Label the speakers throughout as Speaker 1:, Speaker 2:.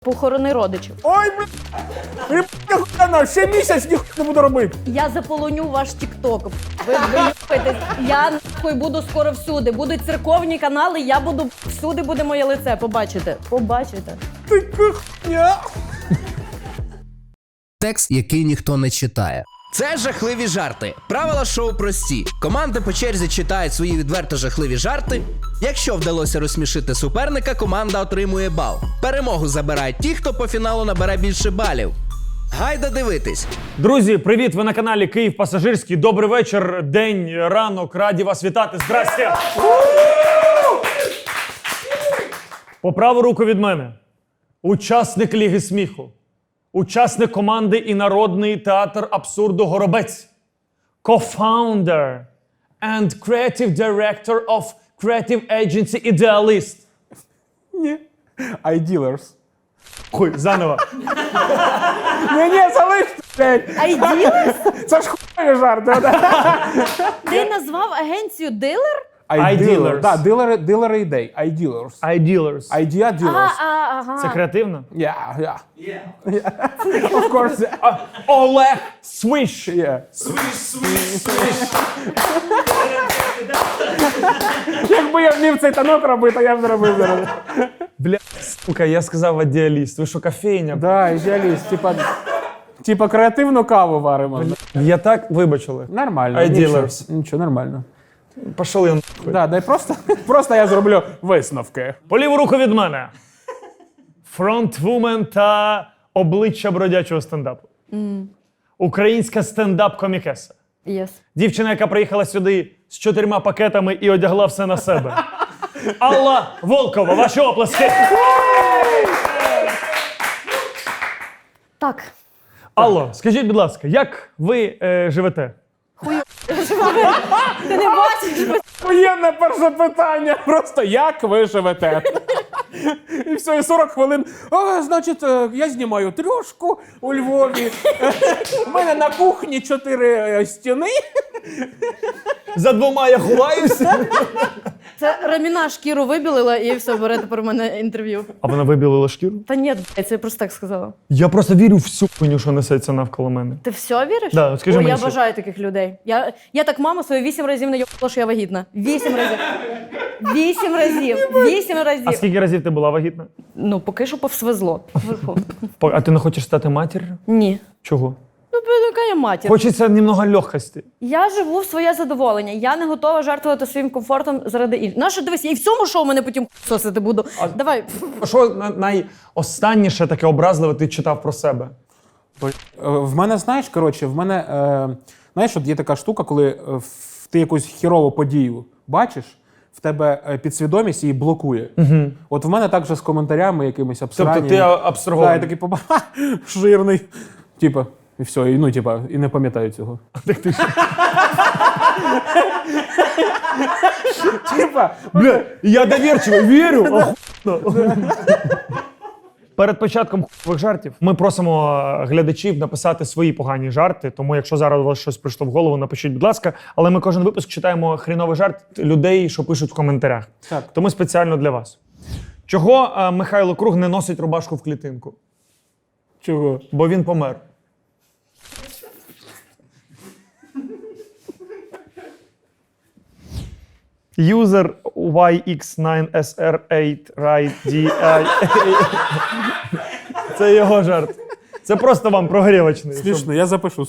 Speaker 1: Похорони родичів.
Speaker 2: Ой, ніхуя, ще місяць ніхуя не буду робити.
Speaker 1: Я заполоню ваш тік-ток. Ви юпитесь. Я нахуй буду скоро всюди. Будуть церковні канали, я буду всюди, буде моє лице. Побачите. Побачите.
Speaker 2: Ти хуйня.
Speaker 3: Текст, який ніхто не читає. Це жахливі жарти. Правила шоу прості. Команди по черзі читають свої відверто жахливі жарти. Якщо вдалося розсмішити суперника, команда отримує бал. Перемогу забирають ті, хто по фіналу набере більше балів. Гайда дивитись.
Speaker 4: Друзі, привіт! Ви на каналі Київ Пасажирський. Добрий вечір, день, ранок. Раді вас вітати. Здрасте! По праву руку від мене. Учасник Ліги сміху. Учасник команди і Народний театр абсурду Горобець. Co-founder and creative director of creative agency Idealist.
Speaker 2: Ні. iDealers.
Speaker 4: Хуй, заново.
Speaker 2: Ні, залиште, блядь.
Speaker 1: Айділес?
Speaker 2: Це ж хуйові жарти.
Speaker 1: Ти назвав агенцію дилер?
Speaker 4: iDealers.
Speaker 2: Так, дилери ідей. iDealers.
Speaker 4: Idealers.
Speaker 2: Idea dealers.
Speaker 1: Ага.
Speaker 4: Це креативно?
Speaker 2: Yeah. Of course, yeah.
Speaker 4: Олег Свищ.
Speaker 2: Yeah. Якби я вмів цей танок робити, я б зробив зараз.
Speaker 4: Бля, сука, я сказав ідеаліст. Ви що, кофейня?
Speaker 2: Да, ідеаліст. Типа креативну каву варимо.
Speaker 4: Я так, вибачили.
Speaker 2: Нормально.
Speaker 4: iDealers.
Speaker 2: Нічого, нормально.
Speaker 4: Пішли нахуй.
Speaker 2: Да, дай просто я зроблю висновки.
Speaker 4: По ліву руку від мене. Фронтвумен та обличчя бродячого стендапу. Українська стендап-комікеса.
Speaker 1: Єс.
Speaker 4: Дівчина, яка приїхала сюди з 4 пакетами і одягла все на себе. Алла Волкова, ваші оплески.
Speaker 1: Так.
Speaker 4: Алло, скажіть, будь ласка, як ви живете?
Speaker 1: Ти не бачиш?
Speaker 2: Воєнне перше питання. Просто як ви живете? І все, і 40 хвилин. Значить, я знімаю трьошку у Львові. У мене на кухні 4 стіни.
Speaker 4: За 2 я ховаюся.
Speaker 1: Це Раміна шкіру вибілила і все, бере тепер у мене інтерв'ю.
Speaker 4: А вона вибілила шкіру?
Speaker 1: Та ні, це я просто так сказала.
Speaker 4: Я просто вірю в всю хуйню, що несеться навколо мене.
Speaker 1: Ти все віриш?
Speaker 4: Да, скажи
Speaker 1: Ой,
Speaker 4: мені,
Speaker 1: я
Speaker 4: що-
Speaker 1: бажаю таких людей. Я так маму свою 8 разів не йобала, що я вагітна. 8 разів. 8 разів. 8 разів.
Speaker 4: А скільки разів ти була вагітна?
Speaker 1: Ну, поки що повсвезло. Вверху.
Speaker 4: А ти не хочеш стати матір'ю?
Speaker 1: Ні.
Speaker 4: Чого?
Speaker 1: Ну, яка я матір.
Speaker 4: Хочеться немного легкості.
Speaker 1: Я живу в своє задоволення. Я не готова жертвувати своїм комфортом заради інших. Нащо, дивись, я і в цьому шоу мене потім сосити буду. Давай.
Speaker 4: Що найостанніше таке образливе ти читав про себе?
Speaker 2: В мене, знаєш, знаєш, от є така штука, коли ти якусь хірову подію бачиш, в тебе підсвідомість її блокує. От в мене так же з коментарями якимись абсурдними.
Speaker 4: Тобто ти абстрагований?
Speaker 2: Да, я такий жирний. Типа, і все, і не пам'ятаю цього. Типа,
Speaker 4: Бля, я довірчивий, вірю. Охуєнно. Перед початком хуйових жартів ми просимо глядачів написати свої погані жарти, тому якщо зараз у вас щось прийшло в голову, напишіть, будь ласка. Але ми кожен випуск читаємо хріновий жарт людей, що пишуть в коментарях.
Speaker 2: Так.
Speaker 4: Тому спеціально для вас. Чого Михайло Круг не носить рубашку в клітинку?
Speaker 2: чого?
Speaker 4: Бо він помер. User YX9SR8 RightDI. Це його жарт. Це просто вам прогрівочний.
Speaker 2: Смішно, я запишу.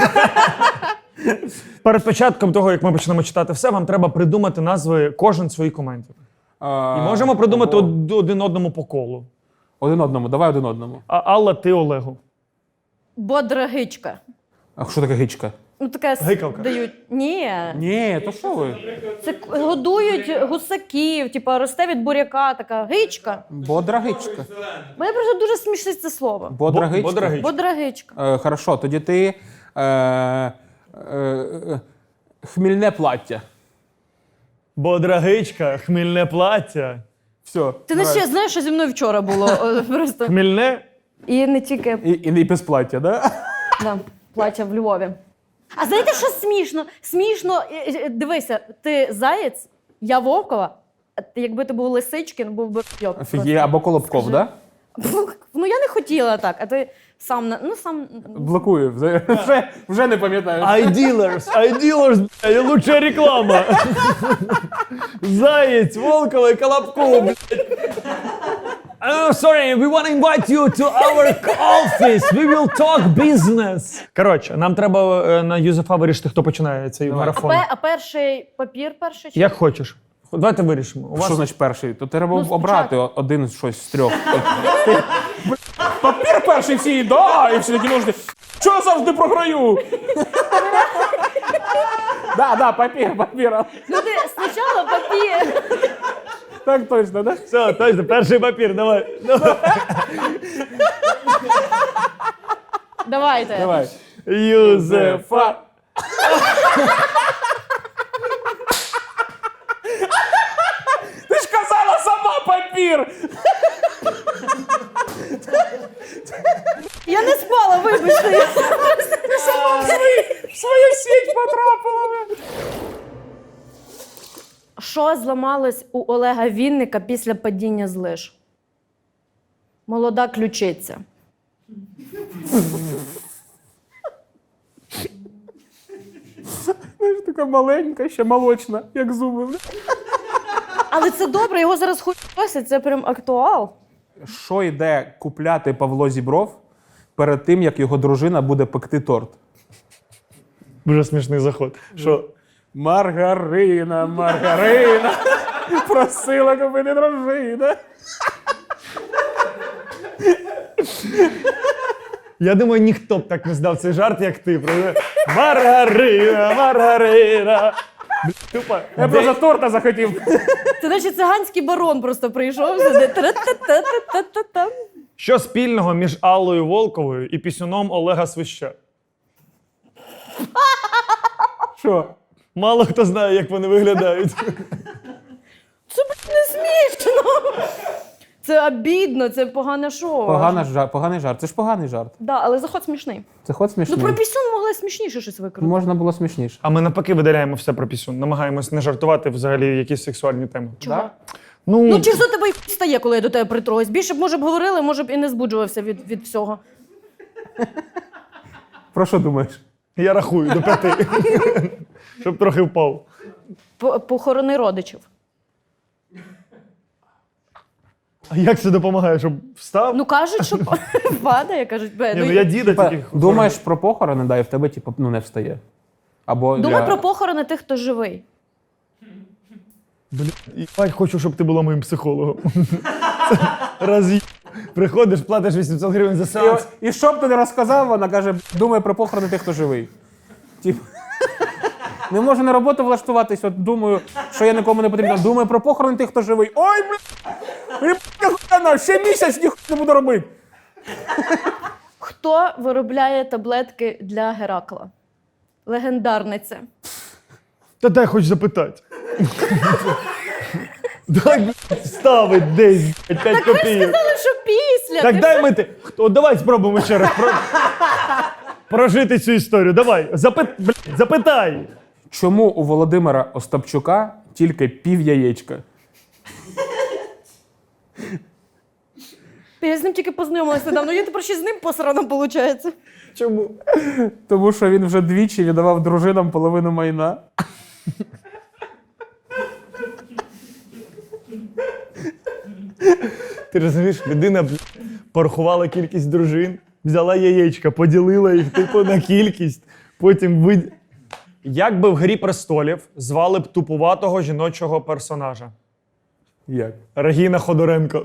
Speaker 4: Перед початком того, як ми почнемо читати все, вам треба придумати назви кожен своїх коментів. І можемо придумати один одному по колу.
Speaker 2: Один одному, давай один одному.
Speaker 4: А Алла, ти Олегу.
Speaker 1: Бодрагичка.
Speaker 2: А що таке гичка?
Speaker 1: Ну, таке
Speaker 4: Гикавка.
Speaker 1: дають. Ні.
Speaker 2: Ні, то що ви?
Speaker 1: Це годують гусаків, типа росте від буряка, така гичка.
Speaker 2: Бодра гичка.
Speaker 1: Мене просто дуже смішить це слово.
Speaker 2: Бодра гичка?
Speaker 4: Бодрагичка.
Speaker 1: Бодрагичка.
Speaker 2: Хорошо, тоді ти хмільне плаття.
Speaker 4: Бодрагичка, хмільне плаття.
Speaker 2: Все.
Speaker 1: Ти не ще знаєш, що зі мною вчора було? Просто.
Speaker 4: Хмільне?
Speaker 1: І не тільки
Speaker 2: І без плаття, да?
Speaker 1: да, плаття в Львові. А знаєте, що смішно? Смішно, дивися, ти заєць, я Вовкова, якби ти був Лисичкін, був би йок.
Speaker 2: Офігеть, або Колобков, да?
Speaker 1: Ну я не хотіла так, а ти сам, сам...
Speaker 2: Блокую. Вже не пам'ятаю.
Speaker 4: iDealers, блядь, лучшая реклама. Заєць, Волкова і Колобков, блядь. Sorry, we want to invite you to our office. We will talk business. Коротше, нам треба на Юзефа вирішити, хто починає цей марафон.
Speaker 1: А перший папір перший? Чи?
Speaker 4: Як хочеш. Давайте вирішимо. У вас...
Speaker 2: Що значить перший? То треба
Speaker 1: Ну,
Speaker 2: обрати один щось з трьох. Папір перший всі, да, і всі такі нужди. Чого я завжди програю? Да, папір.
Speaker 1: Люди, спочатку папір.
Speaker 2: Так точно, да?
Speaker 4: Все, точно, перший папір, давай.
Speaker 1: Давайте.
Speaker 2: Давай.
Speaker 4: Юзефа.
Speaker 2: Ти ж казала сама папір!
Speaker 1: Я не спала, вибачте.
Speaker 2: Ти сама в свою сіть потрапила.
Speaker 1: Що зламалось у Олега Вінника після падіння з лиж? Молода ключиця.
Speaker 2: Знаєш, така маленька, ще молочна, як зуби.
Speaker 1: Але це добре, його зараз хуй просять, це прям актуал.
Speaker 2: Що йде купляти Павло Зібров перед тим, як його дружина буде пекти торт?
Speaker 4: Дуже смішний заход. Що?
Speaker 2: Маргарина, просила купити дружина.
Speaker 4: Я думаю, ніхто б так не здав цей жарт, як ти. Маргарина. Тупо.
Speaker 2: Я просто торта захотів.
Speaker 1: Це наче циганський барон просто прийшов сюди. Тра-та-та-та-та-та-та.
Speaker 4: Що спільного між Аллою Волковою і пісюном Олега Свища?
Speaker 2: Що?
Speaker 4: Мало хто знає, як вони виглядають.
Speaker 1: Це не смішно. Це обідно, це погане шоу.
Speaker 2: Поганий жарт. Це ж поганий жарт.
Speaker 1: Да, але заход смішний.
Speaker 2: Це ход смішний.
Speaker 1: Ну про пісюн могли смішніше щось викрути.
Speaker 2: Можна було смішніше.
Speaker 4: А ми навпаки видаляємо все про пісюн. Намагаємось не жартувати взагалі якісь сексуальні теми.
Speaker 1: Чого?
Speaker 2: Да?
Speaker 1: Ну через то тебе й стає, коли я до тебе притруюсь. Більше б, може б, говорили, може б і не збуджувався від всього.
Speaker 2: Про що думаєш?
Speaker 4: Я рахую до 5. Щоб трохи впав.
Speaker 1: Похорони родичів.
Speaker 4: А як це допомагає, щоб встав?
Speaker 1: Ну кажуть, що падає, кажуть.
Speaker 4: Ні, ну я діда тільки.
Speaker 2: Думаєш про похорони, да, і в тебе типу, не встає. Або
Speaker 1: Думай про похорони тих, хто живий.
Speaker 4: Блядь, хочу, щоб ти була моїм психологом. Приходиш, платиш 800 гривень за сеанс.
Speaker 2: І що б ти не розказав, вона каже, думай про похорони тих, хто живий. Тип. Не можу на роботу влаштуватись, от думаю, що я нікому не потрібно. Думаю про похорони тих, хто живий. Ой, блядь, ще місяць ніхуя не буду робити.
Speaker 1: Хто виробляє таблетки для Геракла? Легендарниця.
Speaker 4: Та дай хоч запитати. Дай, блядь, ставить десь 5 копійок.
Speaker 1: Сказали, що після.
Speaker 4: Так
Speaker 1: Ти
Speaker 4: дай ми ти. От давай спробуємо ще раз прожити цю історію. Давай, запитай.
Speaker 2: Чому у Володимира Остапчука тільки пів яєчка?
Speaker 1: Я з ним тільки познайомилася недавно. Я тепер ще з ним посрано, виходить.
Speaker 4: Чому?
Speaker 2: Тому що він вже двічі віддавав дружинам половину майна.
Speaker 4: Ти розумієш, людина порахувала кількість дружин, взяла яєчка, поділила їх типу на кількість, потім Як би в «Грі престолів» звали б тупуватого жіночого персонажа?
Speaker 2: Як?
Speaker 4: Регіна Ходоренко.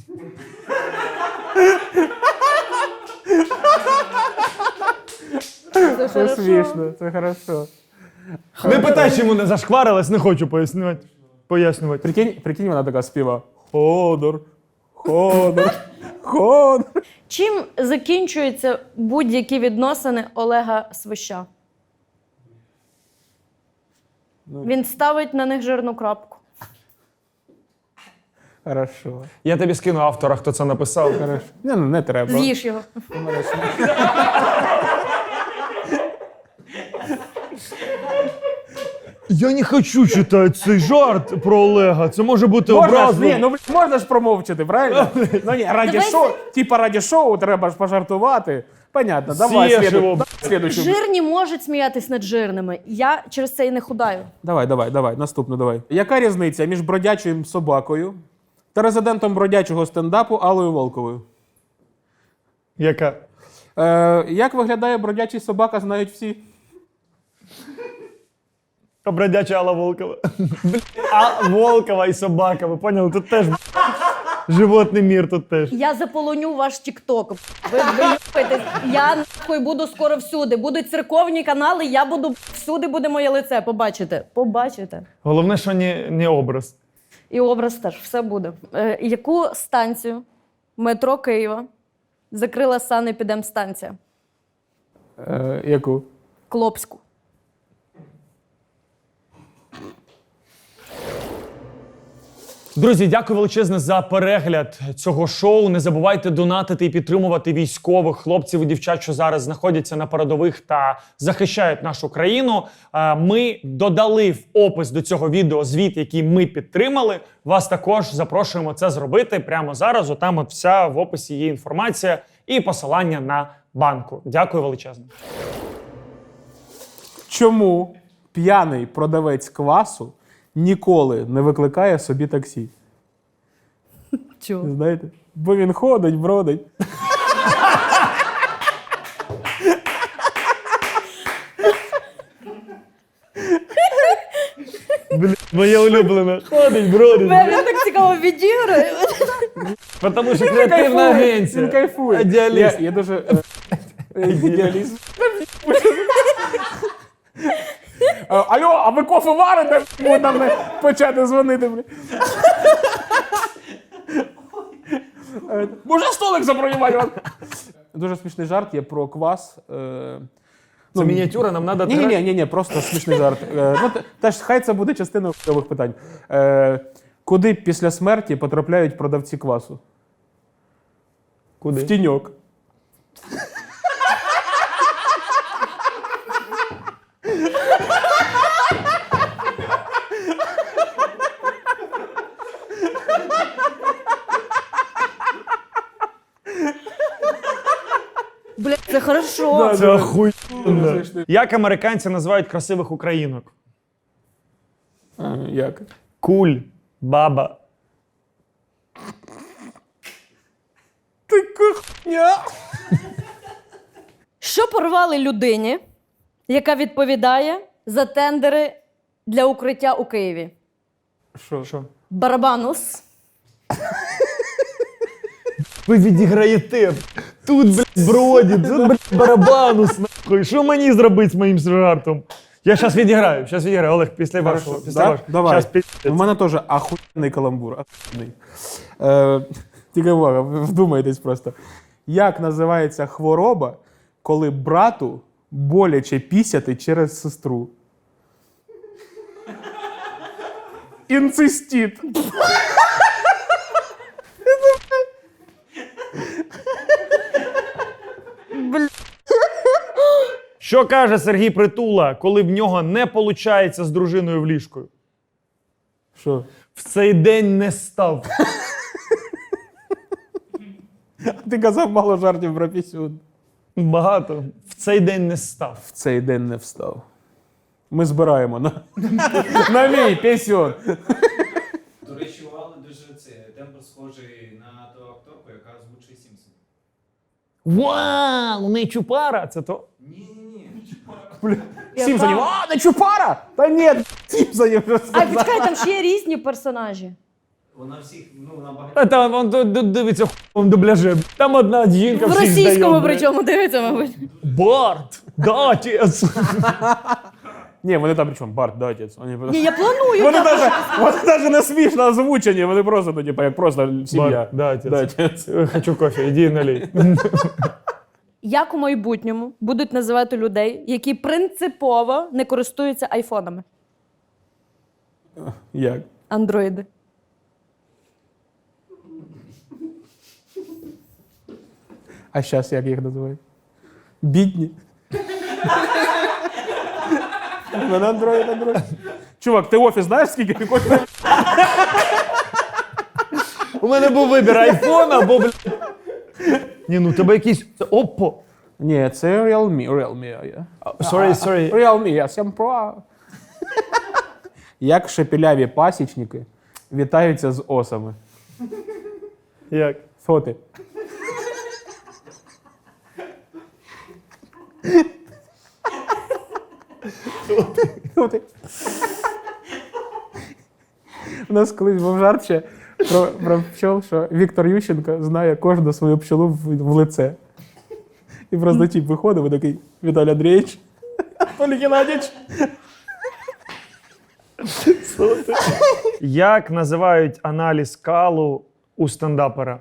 Speaker 2: Це смішно, це хорошо.
Speaker 4: Не питай, чому не зашкварилась, не хочу пояснювати.
Speaker 2: Прикинь, вона така співа. Ходор, Ходор, Ходор.
Speaker 1: Чим закінчуються будь-які відносини Олега Свища? Він ставить на них жирну крапку.
Speaker 2: Хорошо.
Speaker 4: Я тобі скину автора, хто це написав.
Speaker 2: Хорошо. Не треба.
Speaker 1: З'їж його.
Speaker 4: Я не хочу читати цей жарт про Олега. Це може бути
Speaker 2: Можна ж,
Speaker 4: образливо.
Speaker 2: ні, ну можна ж промовчати, правильно? Ну ні, раді шоу треба ж пожартувати. Понятно, давай
Speaker 4: Сєшево.
Speaker 2: слідуючу.
Speaker 1: Жирні можуть сміятись над жирними. Я через це і не худаю.
Speaker 2: Давай, наступну давай. Яка різниця між бродячим собакою та резидентом бродячого стендапу Аллою Волковою?
Speaker 4: Яка?
Speaker 2: Як виглядає бродячий собака, знають всі.
Speaker 4: Бродяча Алла Волкова. А Волкова і собака, ви поняли? Тут теж животний мір, тут теж.
Speaker 1: Я заполоню ваш тік-ток. Ви юпаєтесь. Я нахуй буду скоро всюди. Будуть церковні канали, я буду всюди буде моє лице. Побачите. Побачите.
Speaker 4: Головне, що не образ.
Speaker 1: І образ теж, все буде. Яку станцію метро Києва закрила санепідемстанція?
Speaker 2: Яку?
Speaker 1: Клопську.
Speaker 4: Друзі, дякую величезне за перегляд цього шоу. Не забувайте донатити і підтримувати військових хлопців і дівчат, що зараз знаходяться на передових та захищають нашу країну. Ми додали в опис до цього відео звіт, який ми підтримали. Вас також запрошуємо це зробити прямо зараз. Отам от вся в описі є інформація і посилання на банку. Дякую величезне.
Speaker 2: Чому п'яний продавець квасу ніколи не викликає собі таксі?
Speaker 1: Чого?
Speaker 2: Знаєте? Бо він ходить, бродить.
Speaker 4: Моє улюблене. Ходить, бродить.
Speaker 1: Він так цікаво відіграє.
Speaker 4: Тому що креативна агенція.
Speaker 2: Він кайфує.
Speaker 4: Ідеаліст.
Speaker 2: Я дуже... Ідеаліст. Алло, а ви кофе варите? Ми там не почати дзвонити. Може столик забронювати? Дуже смішний жарт є про квас.
Speaker 4: Це мініатюра, нам треба...
Speaker 2: Ні, просто смішний жарт. Теж хай це буде частиною нових питань. Куди після смерті потрапляють продавці квасу?
Speaker 4: Куди?
Speaker 2: В тіньок.
Speaker 1: Блядь, це хорошо.
Speaker 4: Це охуєнно. Як американці називають красивих українок?
Speaker 2: Як?
Speaker 4: Куль, баба.
Speaker 2: Ти кухня!
Speaker 1: Що порвали людині, яка відповідає за тендери для укриття у Києві?
Speaker 2: Що?
Speaker 1: Барабанус.
Speaker 4: Ви відіграєте. Тут, блядь, бродить, тут, блядь, барабанус, нахуй. Що мені зробити з моїм жартом? Я зараз відіграю. Олег, після вашого.
Speaker 2: Давай.
Speaker 4: Щас
Speaker 2: У мене теж ахуєнний каламбур. Ахуєнний. Тільки увага, вдумайтесь просто. Як називається хвороба, коли брату боляче пісяти через сестру? Інцистит.
Speaker 4: Що каже Сергій Притула, коли в нього не виходить з дружиною в ліжкою?
Speaker 2: Що?
Speaker 4: В цей день не став.
Speaker 2: Ти казав мало жартів про пісюн.
Speaker 4: Багато. В цей день не став.
Speaker 2: В цей день не встав. Ми збираємо на мій пісюн.
Speaker 5: До речі, у Алли дуже тембр схожий на ту акторку, яка озвучує Сімпсонів.
Speaker 4: Вау, не чупара, це то?
Speaker 5: Ні.
Speaker 2: Сімпсонів. А, не чупара! Та ні, Сімпсонів вже
Speaker 1: А
Speaker 2: сказав.
Speaker 1: почекай, там ще є різні персонажі.
Speaker 5: Вона всіх, вона багато.
Speaker 4: А там он дивиться в дубляже. Там одна жінка
Speaker 1: В
Speaker 4: всіх
Speaker 1: російському
Speaker 4: здає,
Speaker 1: причому дивиться, мабуть.
Speaker 4: Барт, да, отець.
Speaker 2: Ні, вони там причому, Барт, да, отець.
Speaker 1: Ні, я планую.
Speaker 2: Вони навіть не смішно озвучені, вони просто, ну, типу, як просто сім'я.
Speaker 4: Барт, да, отець.
Speaker 2: Да, отець.
Speaker 4: Хочу кофе, іди налей.
Speaker 1: Як у майбутньому будуть називати людей, які принципово не користуються айфонами?
Speaker 2: Як?
Speaker 1: Андроїди.
Speaker 2: А зараз як їх називають? Бідні. На Android. Чувак, ти офіс знаєш, скільки коштує?
Speaker 4: У мене був вибір айфон або, блядь. Ні, ну тебе якийсь... Це Oppo.
Speaker 2: Ні, це Realme. Yeah.
Speaker 4: Sorry.
Speaker 2: Realme, я 7 Pro. Як шепеляві пасічники вітаються з осами.
Speaker 4: Як?
Speaker 2: Фоти. Фоти. У нас колись був жарт ще про пчол, що Віктор Ющенко знає кожну свою пчолу в лице. І просто тип виходив і такий: Віталій Андрійович, Анатолій Геннадійович.
Speaker 4: Як називають аналіз калу у стендапера?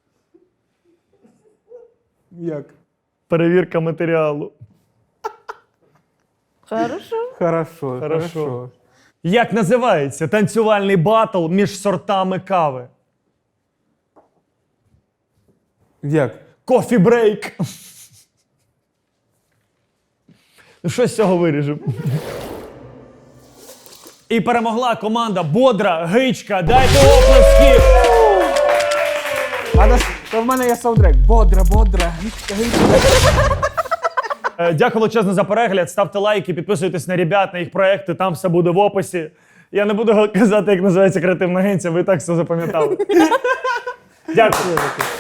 Speaker 2: Як?
Speaker 4: Перевірка матеріалу.
Speaker 2: Хорошо.
Speaker 4: Як називається танцювальний батл між сортами кави?
Speaker 2: Як?
Speaker 4: Кофі-брейк. Ну, що з цього виріжемо? І перемогла команда Бодра Гичка. Дайте оплески!
Speaker 2: А в мене є саундтрек. Бодра, гичка.
Speaker 4: Дякую величезно за перегляд. Ставте лайки, підписуйтесь на ребят, на їх проекти, там все буде в описі. Я не буду казати, як називається креативна агенція, ви і так все запам'ятали. Дякую.